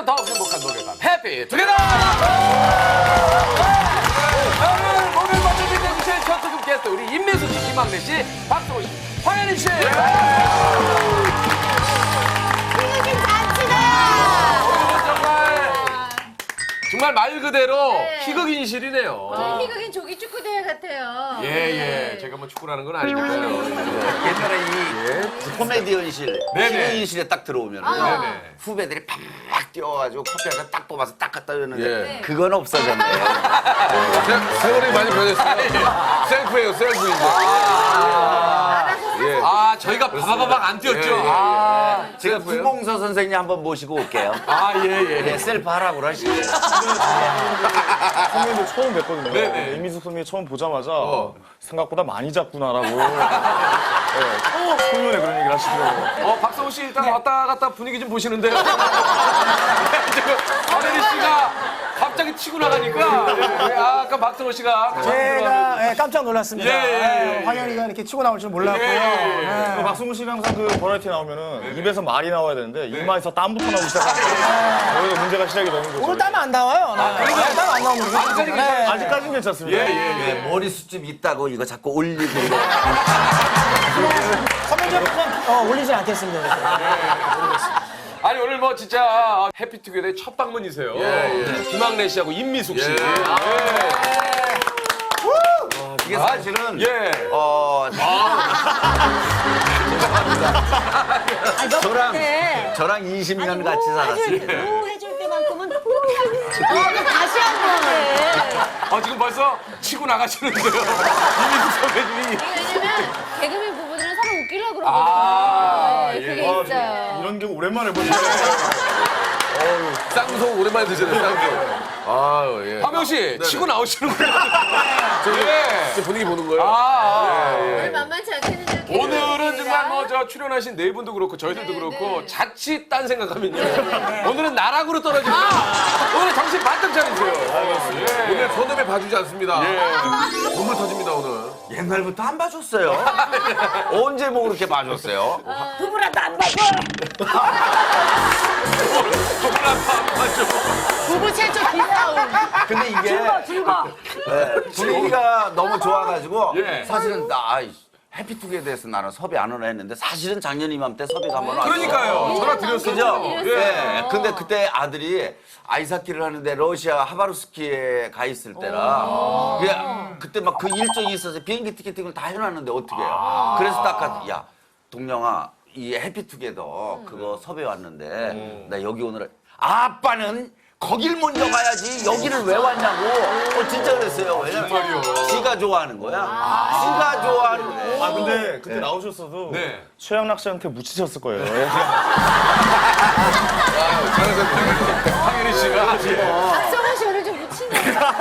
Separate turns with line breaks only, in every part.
함께하면 더욱 행복한 목요일밤 해피 투게더! 오늘 목요일 밤을 빛내주실 첫 특급 게스트 우리 임미숙 씨, 김학래 씨, 박성호 씨, 황현희 씨!
이렇게 잔치다.
정말 말 그대로 희극인실이네요.
저희 희극인 조기 축구 대회 같아요.
예. 제가 뭐 축구라는 건 아니니까요.
옛날에 이 코미디언실,
네네.
희극인실에 딱 들어오면
네네.
후배들이 팍 뛰어가지고 커피 한잔 딱 뽑아서 딱 갖다 줬는데
예.
그건 없어졌네요.
세월이 많이 변했어요. 셀프예요, 셀프 이제. 저희가 바바바박 안 뛰었죠.
제가 구봉서 선생님 한번 모시고 올게요. 예, 셀프 하라고 그러시죠.
선배님도 처음 뵀거든요.
네네.
이미숙 선배님 처음 보자마자 생각보다 많이 작구나라고 소년에 그런 얘기를 하시더라고요.
박성호 씨 일단 왔다 갔다 분위기 좀 보시는데요. 지금 황현희 씨가 갑자기 치고 나가니까 아까 박성호 씨가
제가 깜짝 놀랐습니다.
예.
황현이가 이렇게 치고 나올 줄 몰랐고요.
그 박승우 씨가 항상 그 버라이티 나오면은 입에서 말이 나와야 되는데 이마에서 땀부터 나오기 시작하니까 거기서 문제가 시작이 되는 거죠.
오늘 땀 안 나와요. 땀 안 나오면
완전히 괜찮아요.
아직까지는 괜찮습니다.
예, 머리숱 있다고 이거 자꾸 올리고
선배님 올리진 않겠습니다.
아니 오늘 뭐 진짜 해피투게더의 첫 방문이세요. 김학래 씨하고 임미숙 씨.
이게 사실은
예.
저랑 20년 같이 살았어요.
해줄 때만큼은 다시 한 번.
지금 벌써 치고 나가시는데요. 임미숙 선배님이.
왜냐면 개그맨 부부들은 서로 웃기려고 그러거든요. 그게 있어요.
이런 게 오랜만에 보시네.
쌍속 오랜만에 드시네요, 쌍속. 화명 씨, 치고 나오시는군요. 저 분위기 보는 거예요.
오늘 만만치 않겠는데.
오늘은 정말 뭐 저 출연하신 네 분도 그렇고 저희들도 그렇고 자칫 딴 생각하면요. 오늘은 나락으로 떨어집니다. 오늘 정신 바짝 차리세요. 오늘 손톱에 봐주지 않습니다. 눈물 터집니다 오늘.
옛날부터 안 봐줬어요. 언제 뭐 그렇게 봐줬어요?
부부라도 안 봐줘. 부부 최초 기싸움.
근데 이게
즐거.
분위기가 너무 좋아가지고
예.
사실은 나 해피투게더에서 나는 섭외 안 오나 했는데 사실은 작년 이맘때 섭외가 한번 왔어요.
그러니까요. 전화 드렸어요.
그죠?
예.
예. 근데 그때 아들이 아이스하키를 하는데 러시아 하바rov스키에 가 있을 때라 그때 막 그 일정이 있어서 비행기 티켓팅을 다 해놨는데 어떻게 해요? 그래서 딱 야 동영아 이 해피투게더 그거 섭외 왔는데 나 여기 오늘 아빠는 거길 먼저 가야지 여기를 왜 왔냐고 진짜 그랬어요. 왜냐면 지가 좋아하는 거야. 지가 좋아하는 거야.
근데 그때 나오셨어도
네.
최양락 씨한테 묻히셨을 거예요.
황현희 씨가.
박성호 씨 오늘 좀 묻힌다.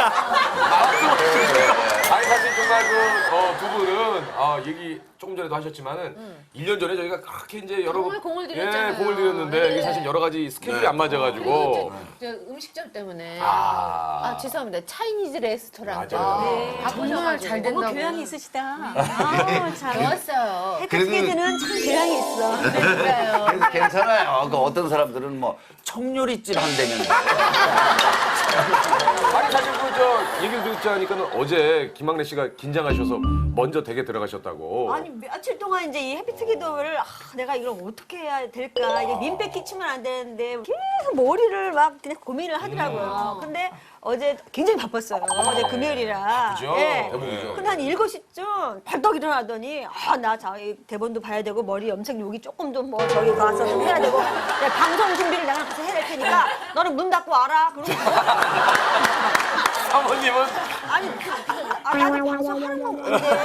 아니 사실 정말 두 분은 얘기 조금 전에도 하셨지만은 1년 전에 저희가 그렇게 이제 여러
공을 들였잖아요.
공을 들였는데 이게 사실 여러 가지 스케줄이 안 맞아가지고
저 음식점 때문에.
아.
죄송합니다. 차이니즈 레스토랑.
맞아요.
정말 잘 된다고.
너무 교양이 있으시다.
좋았어요.
해피투게더는 참 교양이 있어.
그러니까요.
그래서 괜찮아요. 그 어떤 사람들은 뭐 청요리집 한다면
아니 사실 저 얘기를 듣지 않으니까는 어제 김학래 씨가 긴장하셔서 먼저 댁에 들어가셨다고.
아니 며칠 동안 이제 이 해피투게더를 내가 이걸 어떻게 해야 될까 이게 민폐 끼치면 안 되는데 계속 머리를 막 그냥 고민을 하더라고요. 근데 어제 굉장히 바빴어요. 어제 금요일이라.
그죠?
예.
대부분이죠.
근데 한 7시쯤 벌떡 일어나더니 나 대본도 봐야 되고 머리 염색 여기 조금 좀 뭐 저기 가서 좀 해야 되고 내가 방송 준비를 내가 가서 해야 될 테니까 너는 문 닫고 와라. 그러고
사모님은
아니, 나도 방송하는 건 뭔데.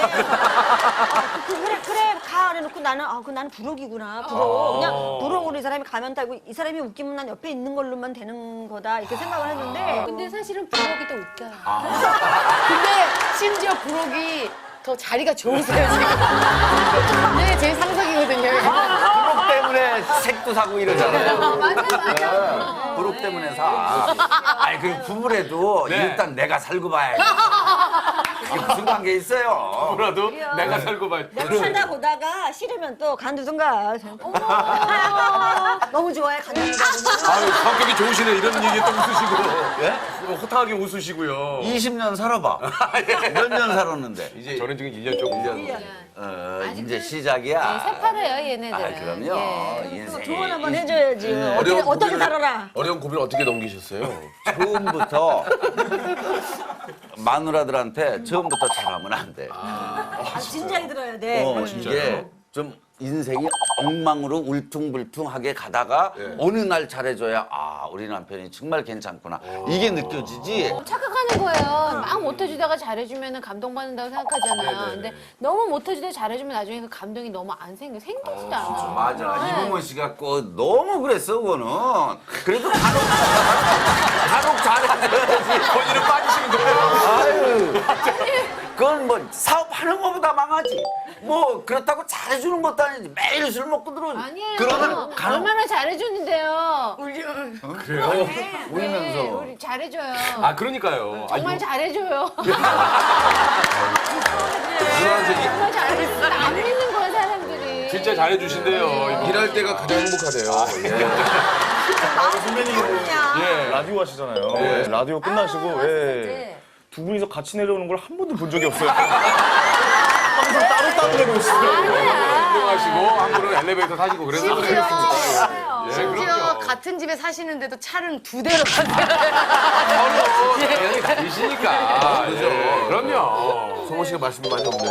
그래, 가. 그래놓고 나는, 나는 부록이구나. 부록. 그냥 부록으로 이 사람이 가면 타고 이 사람이 웃기면 난 옆에 있는 걸로만 되는 거다. 이렇게 생각을 했는데.
근데 사실은 부록이 더 웃겨요. 근데 심지어 부록이 더 자리가 좋으세요, 지금. 네, 제 상상이거든요.
부록 때문에 색도 사고 이러잖아요.
맞아.
부록 때문에 사. 아니 그 부부래도
네.
일단 내가 살고 봐야지. 이게 무슨 관계 있어요?
뭐라도 내가 살고 봐.
내가 살다 보다가 싫으면 또 간두든가. 너무 좋아해, 간두든가.
아유 성격이 분위기 좋으시네. 이런 얘기에 또 웃으시고. 예? 호탕하게 웃으시고요.
20년 살아봐. 몇 년 살았는데.
이제 저는 지금 1년 조금. 1년.
이제 시작이야.
새파래요 얘네들은.
아, 그럼요.
예.
인생이.
조언 한번 해줘야지. 어떻게 살아라.
어려운 고비를 어떻게 넘기셨어요?
처음부터 마누라들한테 처음부터 잘하면 안 돼.
진작에 들어야 돼.
이게 좀 인생이 엉망으로 울퉁불퉁하게 가다가 어느 날 잘해줘야 우리 남편이 정말 괜찮구나. 이게 느껴지지.
착각하는 거예요. 막 못해주다가 잘해주면 감동받는다고 생각하잖아요. 근데 너무 못해주다가 잘해주면 나중에 그 감동이 너무 안 생기지도 않아요.
맞아. 이봉원 씨가 너무 그랬어, 그거는. 그래도 간혹 잘해줘야지.
본인은 빠지시는 거예요.
아유. 그건 뭐 사업하는 것보다 망하지. 뭐 그렇다고 잘해주는 것도 아니지. 매일 술 먹고 들어오지.
아니에요.
그러면
얼마나 잘해주는데요.
그래요?
울면서.
네, 우리 잘해줘요.
아, 그러니까요.
정말 잘해줘요.
누나한테
정말 잘해줘요. 안 믿는 거야 사람들이.
진짜 잘해주신대요. 일할 때가 가장 행복하대요.
선배님 라디오 하시잖아요. 라디오 끝나시고 두 분이서 같이 내려오는 걸 한 번도 본 적이 없어요. 항상 따로 내려오시더라고요.
운동하시고 한 분은 엘리베이터 타시고 그래서 그렇습니다.
심지어 같은 집에 사시는데도 차는 2대로 타세요.
당연히 다르시니까. 그죠? 그럼요. 성호 씨가 말씀이 많이 없네요.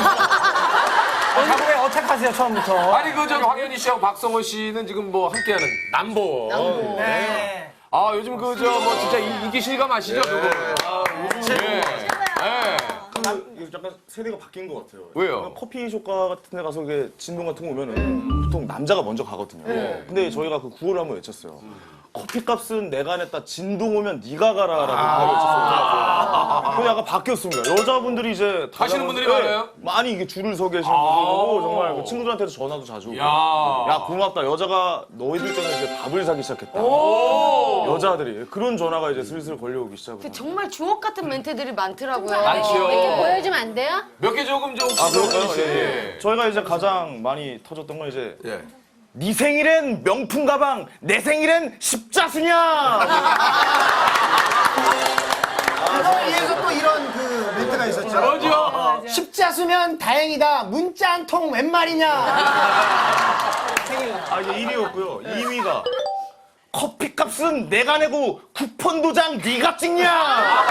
자국에 어택하세요 처음부터.
아니 저 황현희 씨하고 박성호 씨는 지금 뭐 함께하는 남보.
네.
아 요즘 뭐 진짜 인기 실감 아시죠? 그거. 예. 예.
약간 세대가 바뀐 것 같아요.
왜요?
커피숍가 같은 데 가서 이게 진동 같은 거 오면은 보통 남자가 먼저 가거든요. 근데 저희가 그 구호를 한번 외쳤어요. 커피값은 내가 냈다. 진동 오면 네가 가라라고 구호를 외쳤어요. 그게 약간 바뀌었습니다. 여자분들이 이제
하시는 분들이 많아요?
많이 이게 줄을 서 계시는 분들고 정말 그 친구들한테도 전화도 자주 오고. 야 고맙다. 여자가 너희들 때문에 이제 밥을 사기 시작했다. 여자들이 그런 전화가 이제 슬슬 걸려오기 시작을.
정말 주옥 같은 멘트들이 많더라고요.
많지요.
몇 개 보여주면 안 돼요?
몇 개 조금 좀.
그럴까요?
혹시.
예. 저희가 이제 가장 많이 터졌던 건 이제
예.
네 생일엔 명품 가방, 내 생일엔 십자수냐.
거기에서 또 이런 그 멘트가 있었죠.
그러죠.
십자수면 다행이다. 문자 한 통 웬 말이냐.
이게 1위였고요. 2위가 커피값은 내가 내고 쿠폰 도장 네가 찍냐.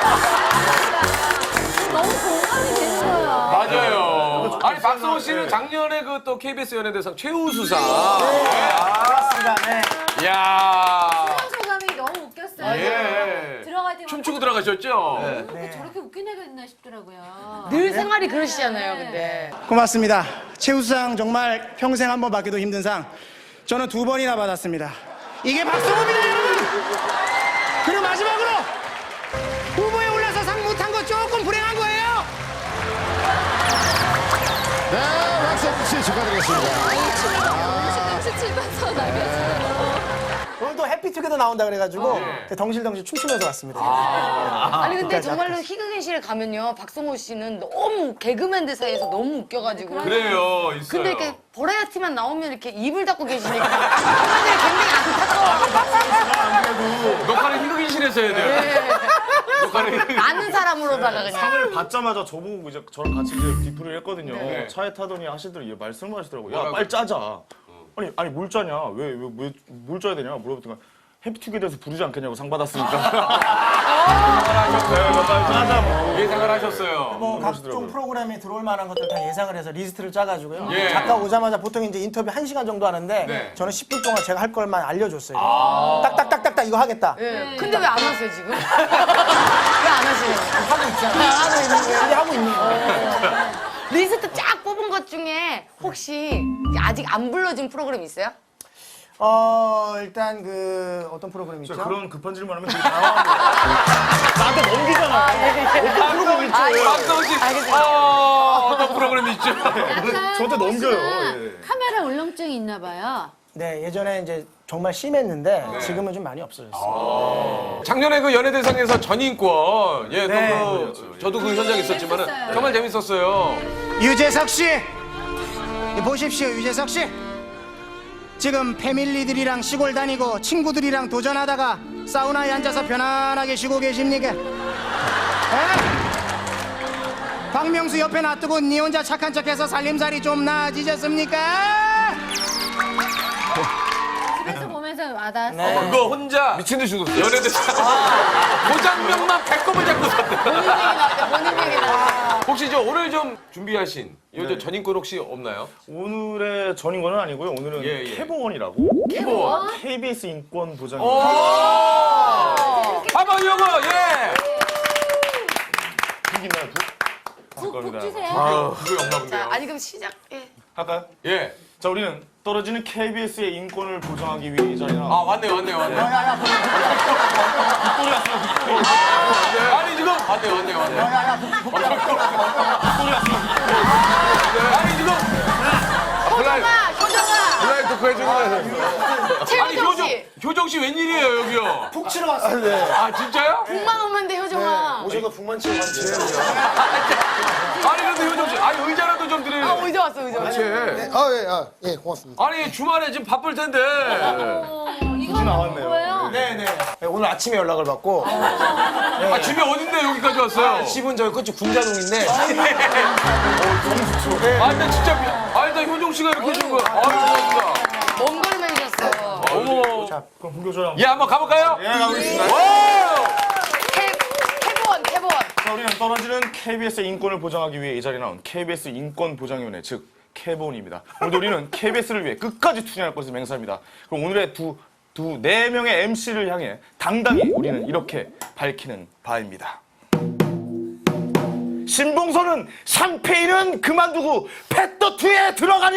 너무 공감이 되는 거예요.
맞아요. 아니 박성호 씨는 작년에 그 또 KBS 연예대상 최우수상.
그렇습니다. 네.
이야.
소감이 너무 웃겼어요.
예.
들어갈 때
춤추고 들어가셨죠?
저렇게 웃긴 애가 있나 싶더라고요.
늘 생활이 그러시잖아요, 근데.
고맙습니다. 최우수상 정말 평생 한 번 받기도 힘든 상. 저는 2번이나 받았습니다. 이게 박성호입니다, 여러분. 그리고 마지막으로 후보에 올라서 상 못한 거 조금 불행한 거예요.
네, 박성호 씨 축하드리겠습니다.
오늘 또 해피투게더 나온다 그래가지고 덩실덩실 춤추면서 왔습니다.
아니, 근데 정말로 희극인실에 가면요, 박성호 씨는 너무 개그맨들 사이에서 너무 웃겨가지고.
그래요, 있어요.
근데 이렇게 버라이어티만 나오면 이렇게 입을 닫고 계시니까 사람들이 굉장히 안타까워.
녹화는 희극인실에서 해야 돼요. 녹화는 희극인.
아는 사람으로다가 그냥.
상을 받자마자 저보고 이제 저랑 같이 이제 디프를 했거든요. 차에 타더니 하시더니 말씀을 하시더라고요. 야, 빨리 짜자. 아니 뭘 짜냐? 왜 뭘 짜야 되냐? 물어봤더니 해피투게더에서 부르지 않겠냐고 상 받았으니까. 짜자 뭐.
예상을 하셨어요.
뭐 각종 프로그램에 들어올 만한 것들 다 예상을 해서 리스트를 짜가지고요.
예.
작가 오자마자 보통 이제 인터뷰 1시간 정도 하는데
네.
저는 10분 동안 제가 할 걸만 알려줬어요. 딱딱딱딱딱 이거 하겠다.
근데 왜 안 하세요, 지금? 왜 안 하시는 거예요?
하고 있잖아. 하고 있는 거예요. 근데 하고 있는 거예요.
리스트 쫙 뽑은 것 중에 혹시 아직 안 불러진 프로그램 있어요?
일단 그 어떤 프로그램 있죠?
그런 급한 질문하면 되게 당황한 거예요. 나한테 넘기잖아. 어떤 프로그램 있죠?
박성호 씨, 어떤 프로그램 있죠?
저한테 넘겨요. 예.
카메라 울렁증이 있나 봐요.
네, 예전에 이제 정말 심했는데 지금은 좀 많이 없어졌어요.
작년에 그 연예대상에서 전인권, 예, 또
네.
저도 그 현장에 있었지만은
재밌었어요.
정말 재밌었어요.
유재석 씨, 보십시오, 유재석 씨. 지금 패밀리들이랑 시골 다니고 친구들이랑 도전하다가 사우나에 앉아서 편안하게 쉬고 계십니까? 에? 박명수 옆에 놔두고 니 혼자 착한 척해서 살림살이 좀 나아지셨습니까?
집에서 보면서 와닿았어요.
그거 혼자 미친 듯이 웃었어. 연예대상. 고장면만 배꼽을 잡고 섰대.
본인 얘기 나왔대, 본인 얘기 나왔대.
혹시 오늘 좀 준비하신 요즘 전인권 혹시 없나요?
오늘의 전인권은 아니고요. 오늘은
예, 예.
캐보원이라고
캐보원.
KBS 인권 보장.
한번 요거 예.
있나요?
푹 주세요.
그거 없나 본데요.
자, 아니 그럼 시작. 예.
할까요?
예.
자, 우리는 떨어지는 KBS의 인권을 보장하기 위해 이 자리나.
아 왔네요. 아니 지금 왔네요. 아니 지금
효정아, 효정아.
블라인 토크 해주는 거예요. 아니
최효정 씨.
효정 씨 웬일이에요 여기요?
푹 치러 왔습니다.
아 진짜요?
북만 오면 돼, 효정아.
오셔서 북만 치러 갔지.
아니 근데 효정 씨, 아니 의자라도 좀 드려요.
아, 의자 왔어, 의자.
예, 고맙습니다.
아니 주말에 지금 바쁠 텐데.
이거
나왔네요.
뭐예요?
네, 오늘 아침에 연락을 받고
아 집이 어딘데 여기까지 왔어요?
집은 저기 끝이 군자동인데
아 근데 진짜 일단 효정 씨가 이렇게 해준 거야. 고맙습니다.
먼 걸음에 해줬어.
어머.
그럼 본교조랑.
예 한번 가볼까요?
예, 가보겠습니다.
오!
캐보원.
자, 우리는 떨어지는 KBS의 인권을 보장하기 위해 이 자리에 나온 KBS 인권보장위원회, 즉 캐본입니다. 오늘도 우리는 KBS를 위해 끝까지 투쟁할 것을 맹세합니다. 그럼 오늘의 네 명의 MC를 향해 당당히 우리는 이렇게 밝히는 바입니다. 신봉선은 샴페인은 그만두고 펫더투에 들어가냐!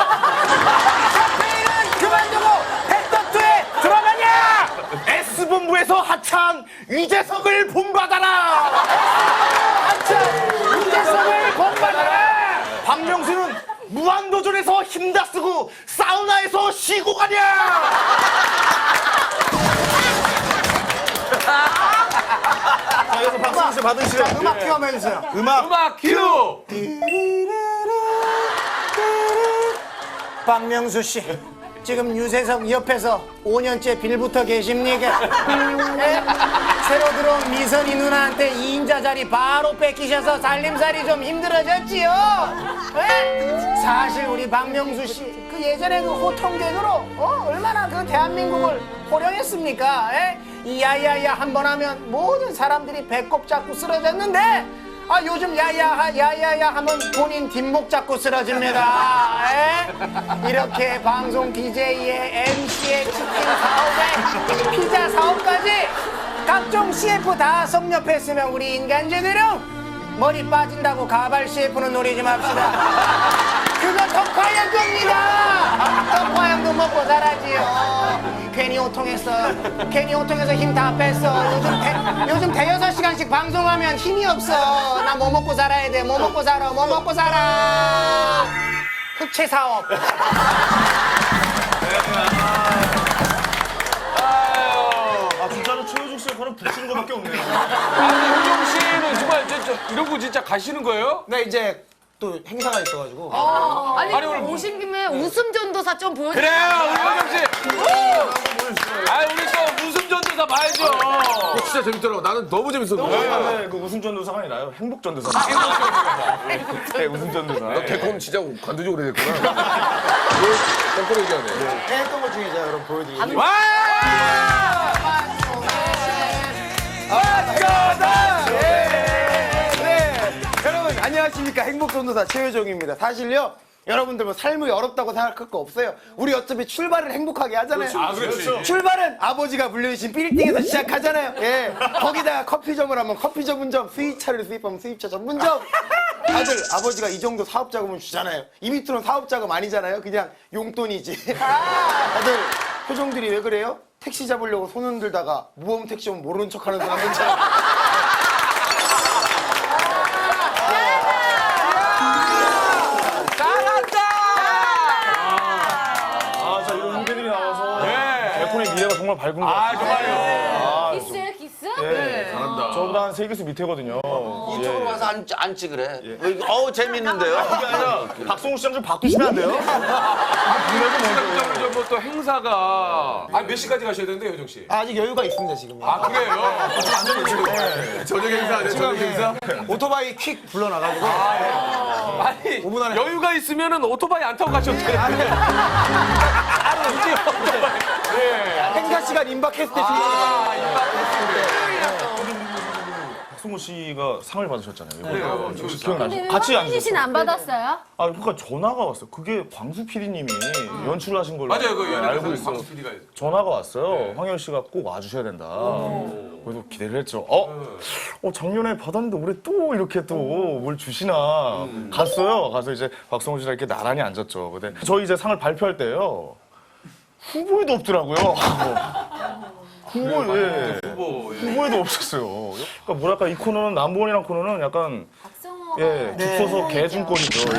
샴페인은 그만두고 펫더투에 들어가냐! S본부에서 하차한 유재석을 본받아라! 유재석을 본받아라! 박명수는 무한도전에서 힘다쓰고 사우나에서 쉬고 가냐! 자, 여기서 박수민 씨 받으시죠.
음악 큐 한번 해주세요.
음악 큐.
박명수 씨, 지금 유재석 옆에서 5년째 빌붙어 계십니까? 예? 새로 들어온 미선이 누나한테 2인자 자리 바로 뺏기셔서 살림살이 좀 힘들어졌지요? 예? 사실 우리 박명수 씨, 그 예전에 그 호통객으로 얼마나 그 대한민국을 호령했습니까? 예? 이 야야야 한 번 하면 모든 사람들이 배꼽 잡고 쓰러졌는데 요즘 야야야 하면 본인 뒷목 잡고 쓰러집니다. 에? 이렇게 방송 DJ에 MC에 치킨 사업에 피자 사업까지 각종 CF 다 섭렵했으면 우리 인간제대로 머리 빠진다고 가발 CF는 노리지 맙시다. 그거 덕화양 겁니다. 덕화양도 먹고 살아지요. 괜히 호통해서 힘 다 뺐어. 요즘 대여섯 시간씩 방송하면 힘이 없어. 나 뭐 먹고 살아야 돼. 뭐 먹고 살아. 흑채 사업.
진짜로 최효중 씨 역할은 붙이는 것밖에 없네요.
아니 효정 씨는 정말 이러고 진짜 가시는 거예요?
네, 이제 또 행사가 있어가지고.
아니,
아니, 오늘
오신 김에 웃음 전도사 좀 보여주세요.
그래요 우리 효정 씨. 아 우리 또 웃음 전도사 봐야죠. 진짜 재밌더라고. 나는 너무 재밌었는데.
네, 그 웃음전도사가 아니라요. 행복전도사. 네, 웃음전도사.
개콘 진짜 관두적으로 됐구나. 왜 거꾸로 얘기하네.
했던 것 중에 제가 여러분 보여드릴게요.
와!
여러분 안녕하십니까. 행복전도사 최효정입니다. 사실요 여러분들 뭐 삶이 어렵다고 생각할 거 없어요. 우리 어차피 출발을 행복하게 하잖아요.
그렇지.
출발은 아버지가 물려주신 빌딩에서 시작하잖아요. 예. 거기다가 커피점을 하면 커피 전문점, 수입차를 수입하면 수입차 전문점. 다들 아버지가 이 정도 사업 자금은 주잖아요. 이 밑으로는 사업 자금 아니잖아요. 그냥 용돈이지. 다들 표정들이 왜 그래요? 택시 잡으려고 손 흔들다가 무험 택시 오면 모르는 척하는 사람들처럼.
자, 이런 후배들이 나와서
네.
개콘의 미래가 정말 밝은 것
아
같아요.
정말요.
기스예요, 기스?
네.
잘한다.
저보다 한 3개수 밑에거든요.
이쪽으로 와서 앉지 그래. 어우 재밌는데요.
그게 아니라 박성우 씨랑 좀 바꾸시면 안 돼요?
시간적으로 뭐또 행사가 몇 시까지 가셔야 되는데 효정 씨?
아직 여유가 있습니다 지금.
그래요? 저녁 행사 아니에요? 저녁 행사?
오토바이 퀵 불러놔가지고
아니
5분 안에
여유가 있으면은 오토바이 안 타고 가셔도 되는데. 이제 오토바이.
행사 시간 임박했을 때
박성우 씨가 상을 받으셨잖아요.
그래요.
기억나시죠? 같이 앉으셨어요.
씨는 안 받았어요?
그러니까 전화가 왔어요. 그게 광수 PD님이 연출을 하신 걸로
맞아요. 그
알고
연예인
있어요.
광수 PD가
전화가 왔어요. 황현 씨가 꼭 와주셔야 된다. 그래서 기대를 했죠. 작년에 받았는데 올해 또 이렇게 또 뭘 주시나. 갔어요. 가서 이제 박성우 씨랑 이렇게 나란히 앉았죠. 근데 저희 이제 상을 발표할 때요. 후보에도 없더라고요. 후보에도 없었어요. 그러니까 뭐랄까 이 코너는 남보원이란 코너는 약간 죽서서 개중권이죠.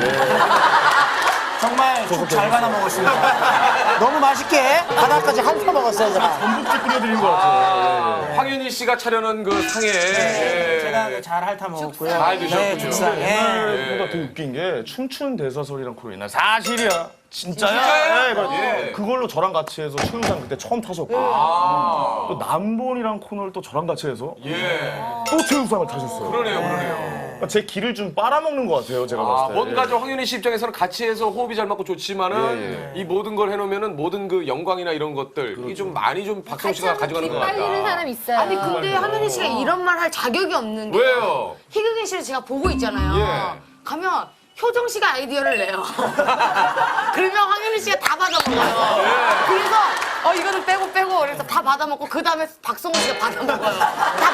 정말 죽 잘 받아 먹었습니다. 너무 맛있게 바닥까지 핥아 먹었어요, 제가.
전복죽 끓여드린 것 같아요.
황윤희 씨가 차려놓은 그 상에
제가 잘 핥아 먹었고요.
잘 드셨군요.
네, 죽상.
옛날보다 더 웃긴 게 춤추는 대사설이란 코너 있나요? 사실이야. 진짜야?
진짜야?
네, 그걸로 저랑 같이 해서 최우상 그때 처음 타셨고 또 남본이랑 코너를 또 저랑 같이 해서 또 최우상을 타셨어요.
그러네요.
그러니까 제 길을 좀 빨아먹는 것 같아요, 제가 봤을 때.
뭔가 좀 황윤희 씨 입장에서는 같이 해서 호흡이 잘 맞고 좋지만은 이 모든 걸 해놓으면은 모든 그 영광이나 이런 것들 이게 좀 많이 좀 박성 씨가 가져가는 것
빨리는
같다.
사람 있어요.
아니 근데 황현희 씨가 이런 말 할 자격이 없는 게
왜요?
희극인 씨를 제가 보고 있잖아요. 가면 효정 씨가 아이디어를 내요. 그러면 황현희 씨가 다 받아먹어요. 그래서 이거는 빼고 그래서 다 받아먹고 그 다음에 박성우 씨가 받아먹어요. 다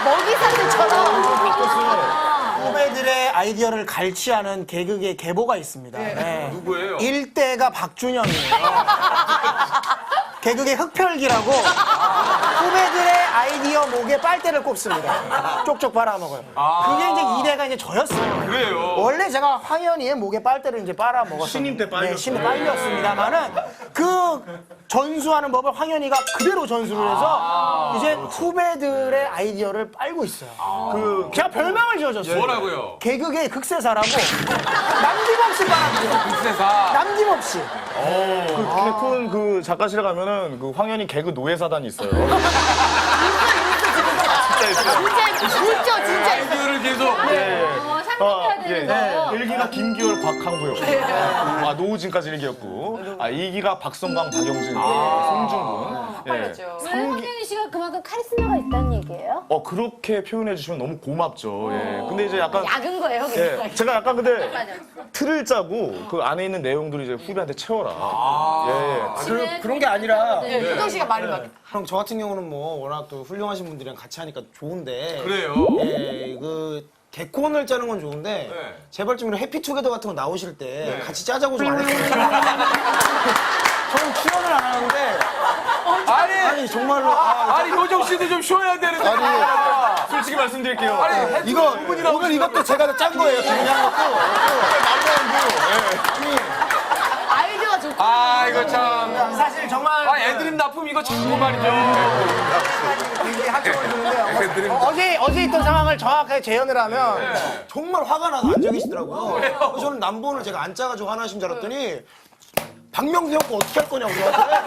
먹이사슬처럼.
후배들의 아이디어를 갈취하는 개그의 계보가 있습니다. 네.
누구예요?
1대가 박준영이에요. 개그의 흑펼기라고 후배들의 아이디어 목에 빨대를 꼽습니다. 쪽쪽 빨아먹어요. 그게 이제 2대가 이제 저였어요.
그래요?
원래 제가 황현희의 목에 빨대를 이제 빨아먹었어요.
신임 때 빨렸어요.
네, 신임 때 빨렸습니다만은 그 전수하는 법을 황현희가 그대로 전수를 해서 이제 후배들의 아이디어를 빨고 있어요. 제가 별명을 지어줬어요.
뭐라고요?
개그계의 극세사라고 남김없이 빨아들여요.
극세사.
남김없이.
개콘 그 작가실에 가면은 그 황현희 개그 노예사단이 있어요.
진짜 진짜.
아이디어를 계속.
상상해야 되는 거예요.
1기가 김기열, 곽한구였고, 노우진까지 1기였고, 2기가 박성광, 박영진, 송중근.
왜 황현희 씨가 그만큼 카리스마가 있다는 얘기예요?
그렇게 표현해 주시면 너무 고맙죠. 근데 이제 약간
작은 거예요, 그냥.
제가 약간 근데 틀을 짜고 그 안에 있는 내용들을 이제 후배한테 채워라.
그런 게 아니라
효정 씨가 말을 막.
형 저 같은 경우는 뭐 워낙 또 훌륭하신 분들이랑 같이 하니까 좋은데
그래요?
그 개콘을 짜는 건 좋은데 제발 좀 이런 해피투게더 같은 거 나오실 때 같이 짜자고 좀 안 했어요. 저는 출연을 안 하는데 아니 정말로
아니 효정 씨도 좀 쉬어야 되는데.
솔직히 말씀드릴게요.
이거 오늘 이것도 제가 짠 거예요. 그냥
아이디어가 좋고.
이거 참.
사실 정말
애드립 납품 이거 자꾸 말이죠.
학점을 주는데 어제 있던 상황을 정확하게 재현을 하면
정말 화가 나서 안 적이시더라고요. 그래서 저는 남본을 제가 안 짜가지고 화나신 줄 알았더니 박명수 형 거 어떻게 할 거냐고 저한테.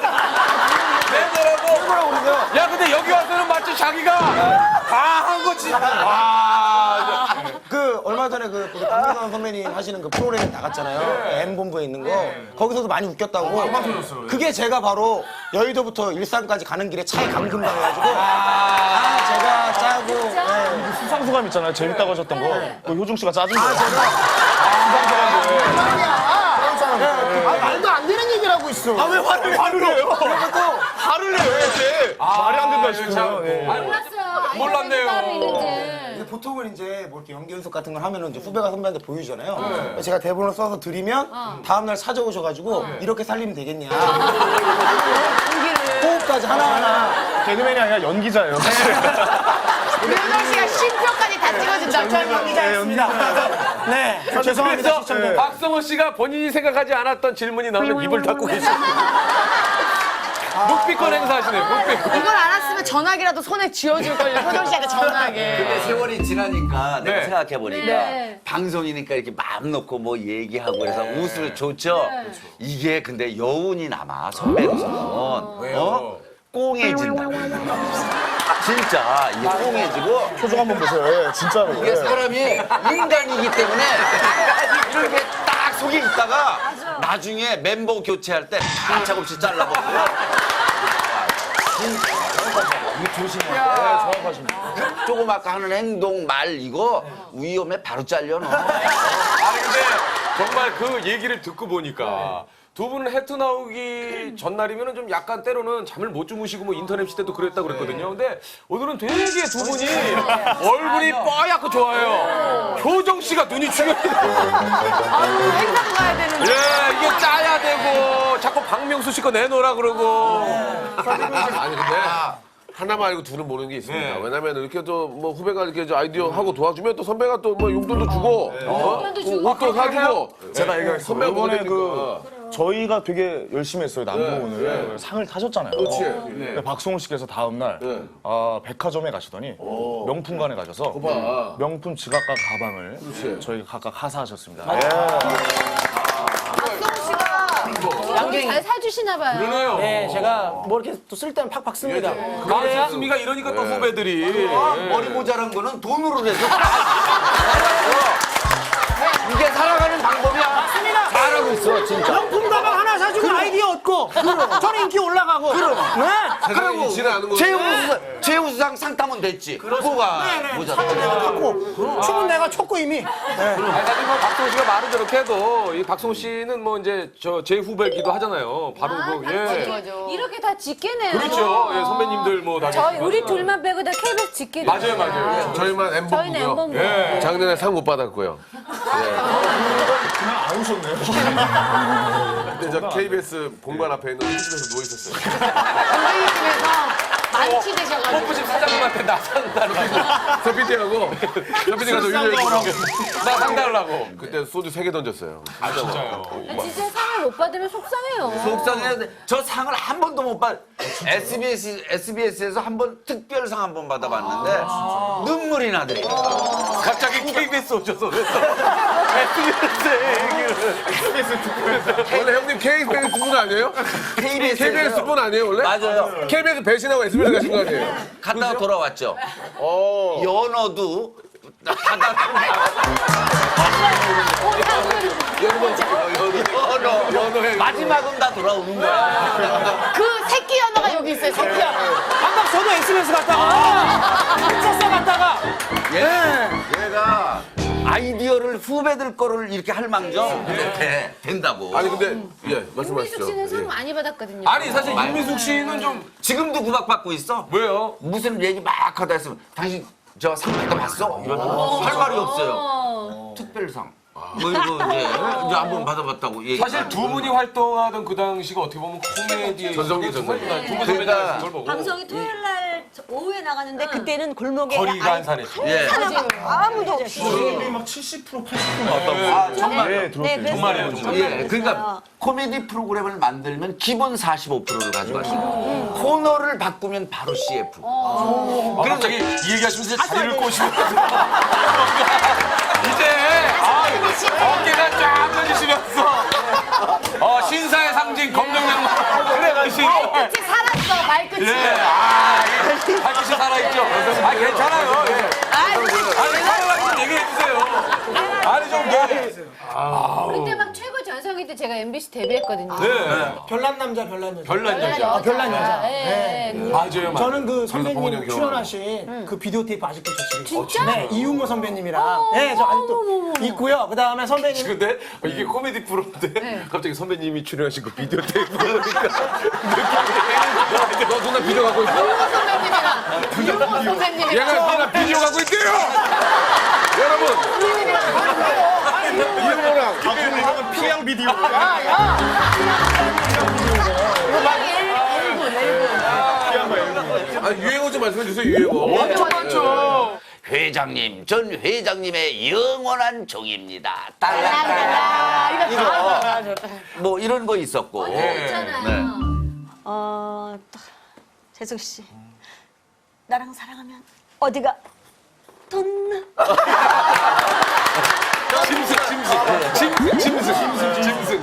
내더라고 그러세요.
야 근데 여기 와서는 마치 자기가 다 한 거지.
그 얼마 전에 그 박명수 선배님 하시는 그 프로그램 나갔잖아요. M본부에 있는 거. 거기서도 많이 웃겼다고. 그게 제가 바로 여의도부터 일산까지 가는 길에 차에 감금당해가지고 제가 짜고
수상소감 있잖아요. 재밌다고 하셨던 거. 그 효중 씨가 짜준 거예요.
말도 안 되는 얘기를 하고 있어.
왜 화를 내요?
화를 내요, 이렇게. 말이 안 된다 싶으면.
몰랐어요.
몰랐네요.
따로 있는지.
근데 보통은 이제 뭐 이렇게 연기 연습 같은 걸 하면은 이제 후배가 선배한테 보여주잖아요. 제가 대본을 써서 드리면 다음날 찾아오셔가지고 이렇게 살리면 되겠냐. 호흡까지 하나하나.
개그맨이 아니라 연기자예요, 사실.
효정 씨가 심표까지 다 찍어준다고.
전 연기자였습니다. 네, 죄송합니다.
그래서 박성호 씨가 본인이 생각하지 않았던 질문이 나오면 입을 닫고 계십니다. 묵비권 행사하시네요. 묵비권.
이걸 알았으면 다음에 전화기라도 손에 쥐어줄걸요. 효정 씨한테 전화기.
근데 세월이 지나니까 내가
네.
생각해보니까
네.
방송이니까 이렇게 마음 놓고 뭐 얘기하고 그래서 웃으면 좋죠. 이게 근데 여운이 남아 선배로서는.
왜요?
꽁해진다. 진짜 이게 꽁해지고
표정 한번 보세요. 예, 진짜로.
이게
예.
사람이 인간이기 때문에 이렇게 딱 속에 있다가 나중에 멤버 교체할 때 가차없이 잘라버리고 이거 조심해야 돼.
정확하십니다.
조금 아까 하는 행동 말 이거 위험에 바로 잘려 너.
아니 근데 정말 그 얘기를 듣고 보니까 두 분은 해트 나오기 전날이면 좀 약간 때로는 잠을 못 주무시고 뭐 인터넷 시대도 그랬다고 그랬거든요. 근데 오늘은 되게 두 분이 얼굴이 뽀얗고 좋아요. 효정 씨가 눈이 중요해요.
아유, 행사도 가야 되는데.
예, 이게 짜야 되고 자꾸 박명수 씨 거 내놓으라 그러고.
아니 근데 하나만 알고 둘은 모르는 게 있습니다.
네.
왜냐면 이렇게 또 뭐 후배가 이렇게 저 아이디어 하고 도와주면 또 선배가 또 뭐 용돈도 주고 옷도 사주고
제가 얘기했어요.
선배가
이번에
뭐가
그 저희가 되게 열심히 했어요. 남궁을 상을 타셨잖아요.
그렇지.
근데 박성훈 씨께서 다음 날 백화점에 가시더니 명품관에 가셔서
봐.
명품 지갑과 가방을 저희 각각 하사하셨습니다. 예.
박성훈 씨가
양갱이 잘 사주시나 봐요.
그러네요.
네, 제가 뭐 이렇게 또 쓸 때는 팍팍 씁니다.
그렇습니까? 이러니까 또 후배들이.
머리 모자란 거는 돈으로 해서 이게 살아가는 방법이야. 잘하고 있어 진짜.
명품 가방 하나 사주고 아이디어 얻고 저는 인기 올라가고
세상에 이치를 아는 거죠.
최우수상 상 타면 됐지. 뭐가 모자.
갖고 춤은 내가 췄고 이미
아니, 사실 뭐 박성훈 씨가 말은 저렇게 해도 이 박성훈 씨는 뭐 이제 제 후배기도 하잖아요. 바로 그 예.
이렇게 다 직계네요.
그렇죠. 예, 선배님들 뭐 다.
저희 우리 둘만 빼고 다 KBS 직계.
맞아요, 맞아요.
저희만
저희는
엠본부고요.
엠본부.
예.
작년에 상 못 받았고요.
그냥 안 오셨네요.
근데 저 KBS 본관 앞에 있는 홈집에서 누워 있었어요.
선배님께서 만취 되셔가지고.
뽀뽀집 사장님한테 나 상달라고.
서 PD하고 서 PD가 저 유리를
나 상달라고.
그때 소주 3개 던졌어요.
아, 진짜요?
진짜 상을 못 받으면 속상해요.
속상해야 저 상을 한 번도 못 받. SBS에서 한 번 특별상 한 번 받아봤는데 눈물이 나더라고요.
갑자기 KBS 오셔서 왜
원래 형님 KBS 분 아니에요? KBS 분 아니에요 원래?
맞아요.
KBS 배신하고 SBS 가신 거 아니에요?
갔다가 돌아왔죠. 연어도 연어 마지막은 다 돌아오는 거야.
그 새끼 연어가 여기 있어요. 새끼 연어.
한박 저도 SBS 갔다가 석사 갔다가
얘가 아이디어를 후배들 거를 이렇게 할 망정 된다고.
아니 근데 예
윤미숙
말씀하시죠.
씨는 상
예.
많이 받았거든요.
아니 사실 윤미숙 씨는 좀
지금도 구박받고 있어.
왜요?
무슨 얘기 막 하다 했으면 당신 저 상 받아봤어? 이러면 할 말이 없어요. 특별상. 뭐 이거 이제 한번 받아봤다고 얘기.
사실 두 분이 활동하던 그 당시가 어떻게 보면 코미디의
전성기,
정말
전성기.
두분
그러니까
선배님 걸 보고
방송이 토요일 날 오후에 나가는데 그때는 골목에
거리가 한산했죠.
예.
아무도 없이.
막 70% 80% 나왔다고.
아 정말.
예, 들었어요.
그래서
정말이에요, 정말.
예, 그러니까 코미디 프로그램을 만들면 기본 45%를 가져가시고 코너를 바꾸면 바로 CF.
그럼 갑자기 이 얘기하시면서 자리를 꼬시면서 이제 어깨가 쫙 펴지시면서 신사의 상징 검정양말 그래가지고
발끝이 살았어, 발끝이.
예, 이게 발끝이 살아있죠. 괜찮아요. 예. 아니 살아가지고 얘기해주세요. 아니 좀
그때 막 최고 전성기 때 제가 MBC 데뷔했거든요.
네.
별난 남자 별난 여자.
별난 여자.
별난 여자.
예.
맞아요.
저는 그
봉원이 형
선배님
경험.
출연하신 그 비디오 테이프 아직도 저 집에 있어요.
진짜?
네, 이윤모 선배님이랑. 네, 저 아직도 있고요. 그 다음에 선배님.
근데 이게 코미디 프로인데 갑자기 선배님이 출연하신 그 비디오 테이프 보니까 느낌이
너 누나 비디오 갖고 있어?
이용호 선배님이랑. 이용호 선배님이랑.
얘가 누나 비디오 갖고 있대요. 여러분 이용호랑
박수는 형은 피양 비디오.
유행어 좀 말씀해 주세요 유행어.
맞죠.
회장님, 전 회장님의 영원한 종입니다.
아, 이거 다
이거 뭐 이런 거 있었고.
있잖아요.
네.
재석 씨. 나랑 사랑하면 어디가 덧나?
짐승.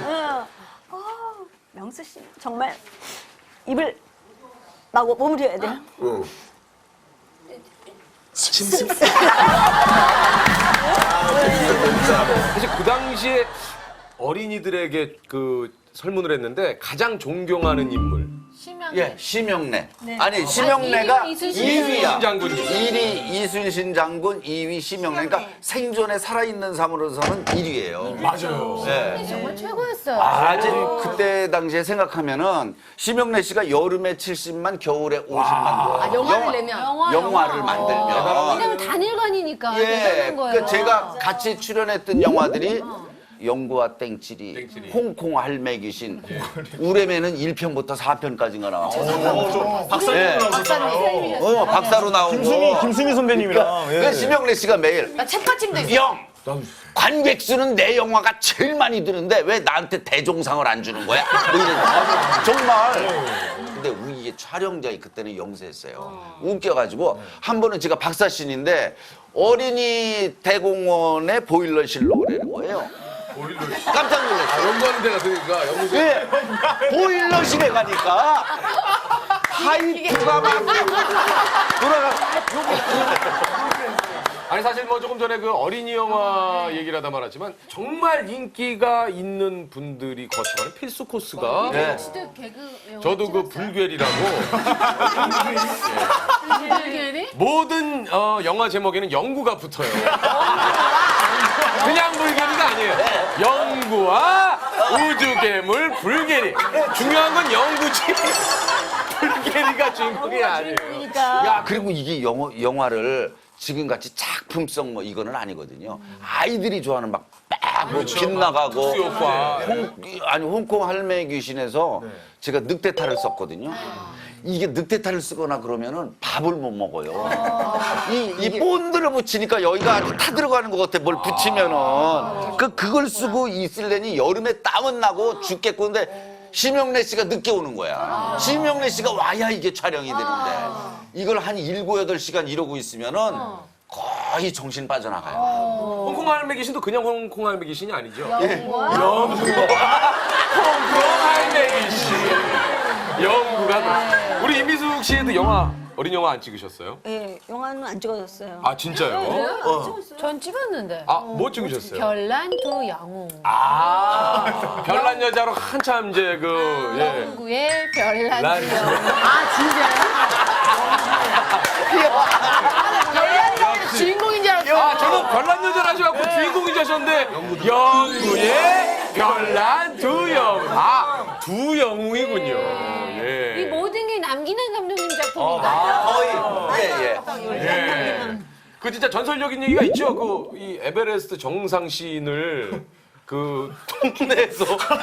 명수 씨 정말 입을 마무리해야 돼요.
사실 그 당시에 어린이들에게 그 설문을 했는데 가장 존경하는 인물.
예, 심영래. 아니, 심영래가 2위야.
장군.
1위 이순신 장군, 2위 심영래. 그러니까 생존에 살아있는 삶으로서는 1위예요.
맞아요.
네.
정말 최고였어요.
아직 그때 당시에 생각하면은 심영래 씨가 여름에 70만, 겨울에 50만.
영화를 내면.
영화를 만들면.
왜냐면 단일관이니까
예,
대단한 거예요.
그 제가 같이 출연했던 영화들이 영구와 땡칠이, 홍콩 할매 귀신, 우레메는 1편부터 4편까지가 나와요. 박사로 나오고.
김수미 선배님이랑. 예.
그 심영래 씨가 매일
나 책받침도 있어.
영 관객수는 내 영화가 제일 많이 드는데 왜 나한테 대종상을 안 주는 거야? 뭐 이런 정말. 근데 이게 촬영장이 그때는 영세했어요. 웃겨가지고 한 번은 제가 박사신인데 어린이 대공원에 보일러실로 오라는 거예요. 깜짝 놀랐어요.
연구하는 데가 그러니까 연구소.
네. 보일러실에 가니까 파이프가 막 돌아가.
아니 사실 뭐 조금 전에 그 어린이 영화 얘기를 하다 말았지만 정말 인기가 있는 분들이 거쳐가는 필수 코스가
네.
진짜 개그
저도 그 불괴리라고
불괴리?
모든 영화 제목에는 영구가 붙어요. 그냥 불괴리가 아니에요. 영구와 우주괴물 불괴리. 중요한 건 영구지. 불괴리가 주인공이 아니에요.
야, 그리고 이게 영화를 지금같이 작품성 뭐 이거는 아니거든요. 아이들이 좋아하는 막뭐 빗나가고
특수효과.
홍콩 할매 귀신에서 제가 늑대탈을 썼거든요. 이게 늑대탈을 쓰거나 그러면은 밥을 못 먹어요. 이 본드를 붙이니까 여기가 아주 타들어가는 것 같아. 뭘 붙이면은 그걸 쓰고 있으려니 여름에 땀은 나고 죽겠고 근데 심영래 씨가 늦게 오는 거야. 심영래 씨가 와야 이게 촬영이 되는데 이걸 한 7, 8시간 이러고 있으면은 거의 정신 빠져나가요.
홍콩 할매 귀신도 그냥 홍콩 할매 귀신이 아니죠.
영화?
홍콩 할매 귀신. 영구가. 우리 임미숙 씨도 어린 영화 안 찍으셨어요?
예, 영화는 안 찍어졌어요.
아 진짜요?
전 찍었는데.
아 뭐 찍으셨어요?
별난 두 영웅.
아 별난 여자로 한참 이제
영구의 별난
난-
두 영웅. 아 진짜요? 별난 여자 주인공인 줄 알았어.
아 저는 별난 여자를 하셔갖고 주인공이 되셨는데 영구의 별난 두 영웅. 아 두 영웅이군요.
이
예.
모든 게 남기는 감독님 작품인가요?
거의
예. 그 진짜 전설적인 얘기가 있죠. 그 이 에베레스트 정상신을 그 동네에서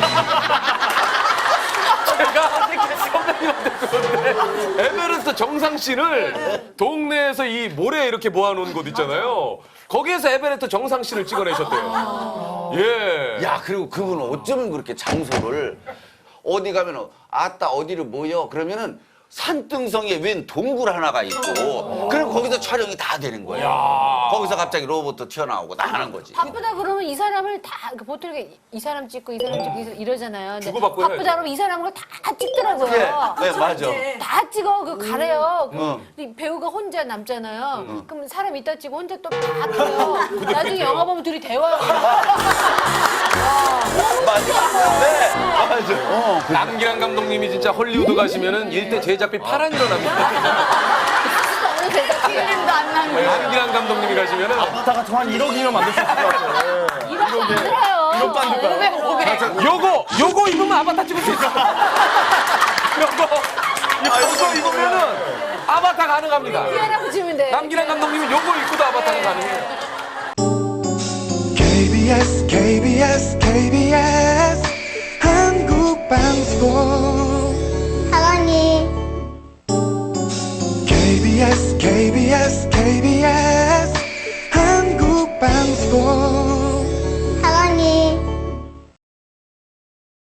제가 선배님한테 그런데 에베레스트 정상신을 동네에서 이 모래에 이렇게 모아놓은 곳 있잖아요. 거기에서 에베레스트 정상신을 찍어내셨대요. 예.
야, 그리고 그분은 어쩌면 그렇게 장소를 어디 가면 아따 어디를 모여 그러면은 산등성에 웬 동굴 하나가 있고 그럼 거기서 촬영이 다 되는 거예요. 거기서 갑자기 로봇도 튀어나오고 다 하는 거지.
바쁘다 그러면 이 사람을 다 보통 이렇게 이 사람 찍고 이 사람 찍고 이러잖아요. 근데
주고받고
바쁘다
해야죠.
그러면 이 사람을 다 찍더라고요.
네, 맞아.
다 찍어 그 가래요. 근데 배우가 혼자 남잖아요. 그럼 사람 이따 찍고 혼자 또 다 찍어요. 나중에 영화 보면 둘이 대화하고.
맞아. 네, 맞아.
남기란 감독님이 진짜 헐리우드 가시면은 일대 제작비 파란 일어납니다.
필름도 안 나는 거.
남기란 감독님이 가시면은
아바타 같은 한 1억이면 만들 수 있을 것 같아요.
이렇게 안 들어요.
500.
요거 입으면 아바타 찍을 수 있어. 요거 입으면은 아바타 가능합니다.
피아라고 치면 돼.
남기란 감독님은 요거 입고도 아바타가 가능해요.
KBS KBS KBS 한국방송